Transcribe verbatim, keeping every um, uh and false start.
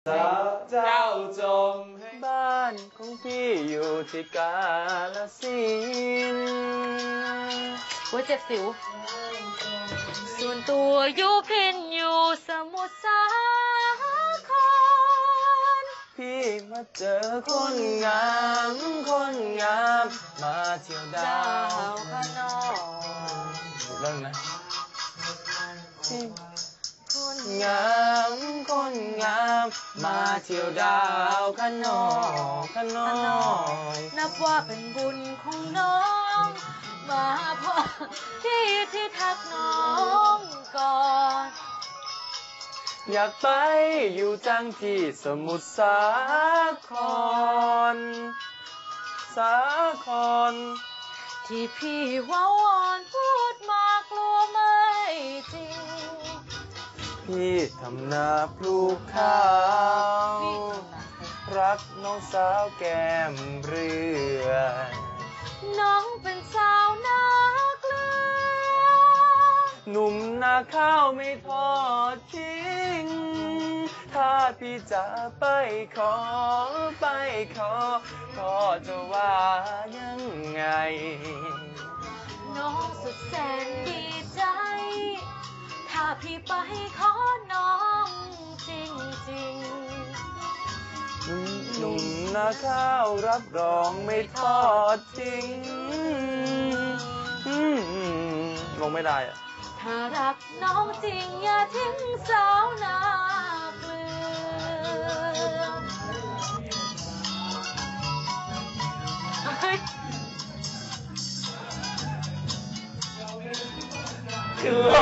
เจ้าจงให้บ้านของพี่อยู่ที่กาฬสินธุ์หัวเจ็บสิวส่วนตัวอยู่พินอยู่สมุทรสาครพี่มาเจอคนงามคนงามมาเที่ยวดาวข้างนอกเรื่องนะคนงามคนงามมาเที่ยวดาวข้างนอกข้างนอกนับว่าเป็นบุญของน้องมาพอที่ที่ทักน้องก่อนอยากไปอยู่จังที่สมุทรสาครสาครที่พี่ว่าวอนพูดมากลัวไม่จริงพี่ทำนาปลูกข้าวรักน้องสาวแก้มเรือน้องเป็นสาวนาเกลือหนุ่มนาข้าวไม่ทอดทิ้งถ้าพี่จะไปขอไปขอก็จะว่ายังไงน้องสุดแสนดีใจถ้าพี่ไปขอน้องจริงจริงหนุ่มนาข้าวรับรองไม่ทอดทิ้งลงไม่ได้อะถ้ารักน้องจริงอย่าทิ้งสาวนาเกลือคือ